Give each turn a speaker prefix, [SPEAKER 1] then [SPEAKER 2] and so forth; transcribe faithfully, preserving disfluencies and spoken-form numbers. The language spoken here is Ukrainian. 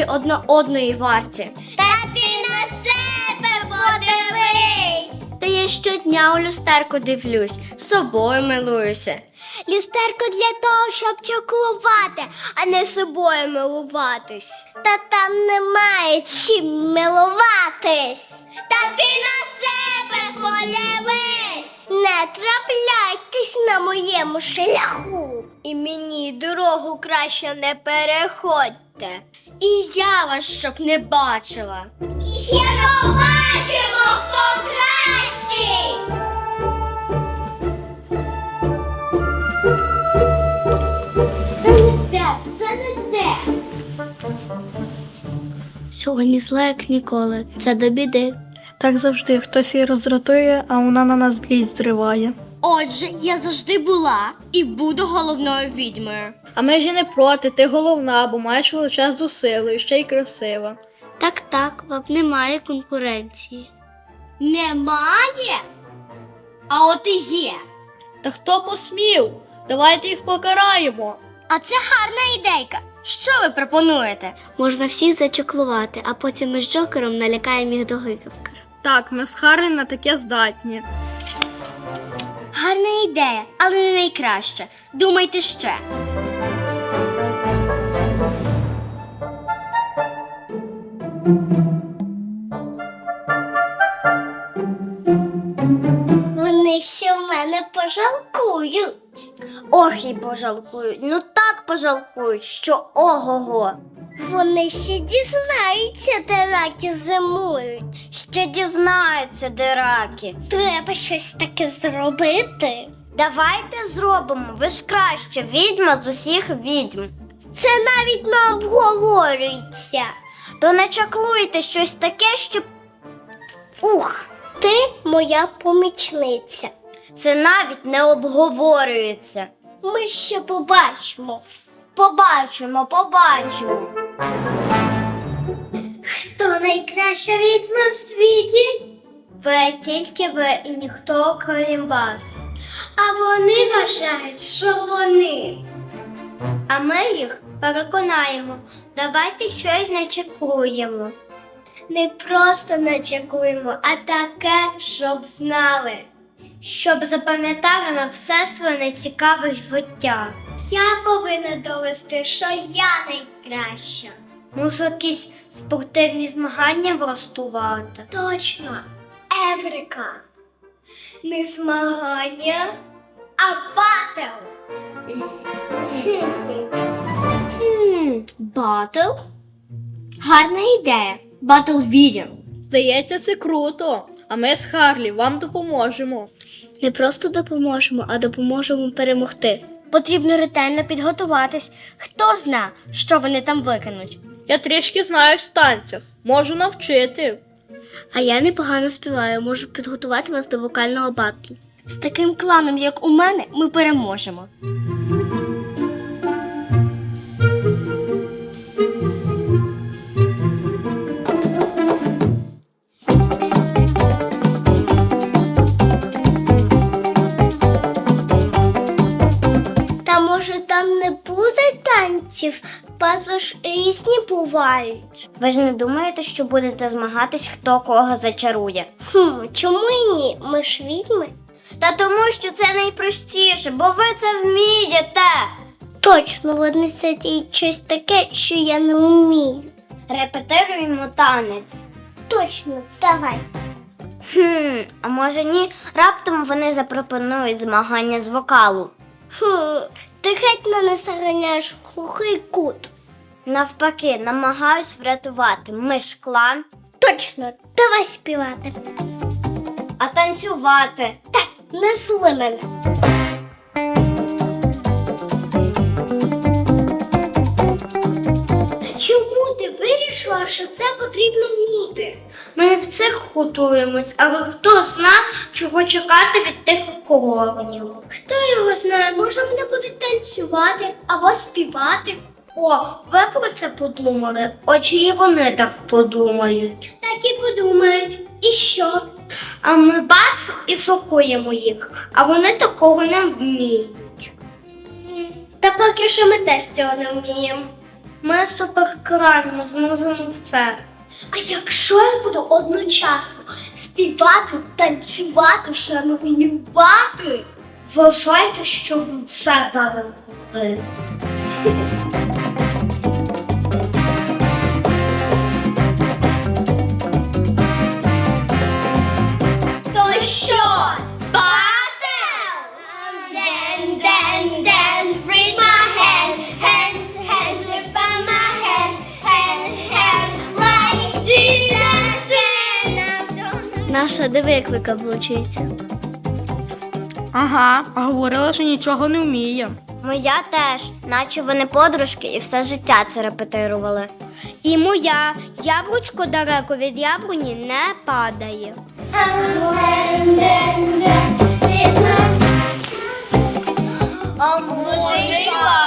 [SPEAKER 1] одна одної варті.
[SPEAKER 2] Та ти на себе подивись!
[SPEAKER 1] Та я щодня у люстерку дивлюсь, собою милуюся.
[SPEAKER 2] Люстерко для того, щоб чаклувати, а не собою милуватись. Та там немає чим милуватись. Та ти на себе подивись! Не трапляйтесь на моєму шляху. І мені дорогу краще не переходьте.
[SPEAKER 1] І я вас щоб не бачила.
[SPEAKER 2] І ще побачимо, хто кращий! Все не те, все не те.
[SPEAKER 1] Сьогодні зла, як ніколи. Це до біди.
[SPEAKER 3] Так завжди, хтось її роздратує, а вона на нас злість зриває.
[SPEAKER 1] Отже, я завжди була і буду головною відьмою.
[SPEAKER 3] А ми ж і не проти, ти головна, бо маєш величезну силу і ще й красива.
[SPEAKER 1] Так-так, вам немає конкуренції. Немає? А от і є.
[SPEAKER 3] Та хто посмів? Давайте їх покараємо.
[SPEAKER 1] А це гарна ідейка. Що ви пропонуєте? Можна всіх зачаклувати, а потім ми з Джокером налякаємо їх до гикавки.
[SPEAKER 3] Так, ми з Харрі на таке здатні.
[SPEAKER 1] Гарна ідея, але не найкраща. Думайте ще.
[SPEAKER 2] Вони ще в мене пожалкують.
[SPEAKER 1] Ох, і пожалкують. Ну так пожалкують, що ого-го.
[SPEAKER 2] Вони ще дізнаються, де раки зимують.
[SPEAKER 1] Ще дізнаються, де раки.
[SPEAKER 2] Треба щось таке зробити.
[SPEAKER 1] Давайте зробимо. Ви ж краще відьма з усіх відьм.
[SPEAKER 2] Це навіть не обговорюється.
[SPEAKER 1] То не чаклуйте щось таке, щоб... Ух!
[SPEAKER 2] Ти моя помічниця.
[SPEAKER 1] Це навіть не обговорюється.
[SPEAKER 2] Ми ще побачимо.
[SPEAKER 1] Побачимо, побачимо.
[SPEAKER 2] Хто найкраща відьма в світі?
[SPEAKER 1] Ви тільки ви і ніхто крім вас.
[SPEAKER 2] А вони вважають, що вони.
[SPEAKER 1] А ми їх переконаємо. Давайте щось начекуємо.
[SPEAKER 2] Не просто начекуємо, а таке, щоб знали.
[SPEAKER 1] Щоб запам'ятали на все своє нецікаве життя.
[SPEAKER 2] Я повинна довести, що я найкраща.
[SPEAKER 1] Може, якісь спортивні змагання влаштувати?
[SPEAKER 2] Точно, Еврика. Не змагання, а батл.
[SPEAKER 1] Хм, батл? Гарна ідея. Батл відьм.
[SPEAKER 3] Здається, це круто. А ми з Харлі вам допоможемо.
[SPEAKER 1] Не просто допоможемо, а допоможемо перемогти. Потрібно ретельно підготуватись. Хто зна, що вони там викинуть.
[SPEAKER 3] Я трішки знаю в танцях. Можу навчити.
[SPEAKER 1] А я непогано співаю, можу підготувати вас до вокального батлу. З таким кланом, як у мене, ми переможемо.
[SPEAKER 2] Та може там не буде танців? Батли ж різні бувають.
[SPEAKER 1] Ви ж не думаєте, що будете змагатись, хто кого зачарує?
[SPEAKER 2] Хм, чому і ні? Ми ж відьми.
[SPEAKER 1] Та тому, що це найпростіше, бо ви це вмієте.
[SPEAKER 2] Точно, вони сидять щось таке, що я не вмію.
[SPEAKER 1] Репетируємо танець.
[SPEAKER 2] Точно, давай.
[SPEAKER 1] Хм, а може ні, раптом вони запропонують змагання з вокалу.
[SPEAKER 2] Хм, ти геть мене заганяєш в глухий кут.
[SPEAKER 1] Навпаки, намагаюсь врятувати. Ми ж клан.
[SPEAKER 2] Точно, давай співати.
[SPEAKER 1] А танцювати?
[SPEAKER 2] Так, не зли мене. Чому ти вирішила, що це потрібно вміти?
[SPEAKER 1] Ми в цих готуємось, але хто зна, чого чекати від тих клоунів.
[SPEAKER 2] Хто його знає, може вони будуть танцювати або співати.
[SPEAKER 1] О, ви про це подумали? Очі і вони так подумають.
[SPEAKER 2] Так і подумають. І що?
[SPEAKER 1] А ми бац і шокуємо їх, а вони такого не вміють.
[SPEAKER 2] Та поки що ми теж цього не вміємо.
[SPEAKER 1] Ми суперкрайні, ми зможемо все.
[SPEAKER 2] А якщо я буду одночасно співати, танцювати, шанувати?
[SPEAKER 1] Вважайте, що ви все зараз робите.
[SPEAKER 2] То що? Батл? Then, then, then, read my hand, hands, hands upon my hand, hand, hand, like this, and I'm gonna...
[SPEAKER 1] Наша диви, як викаблучується.
[SPEAKER 3] Ага, а говорила, що нічого не вміє.
[SPEAKER 2] Моя теж, наче вони подружки і все життя це репетирували.
[SPEAKER 1] І моя яблучко далеко від яблуні не падає.
[SPEAKER 2] А може й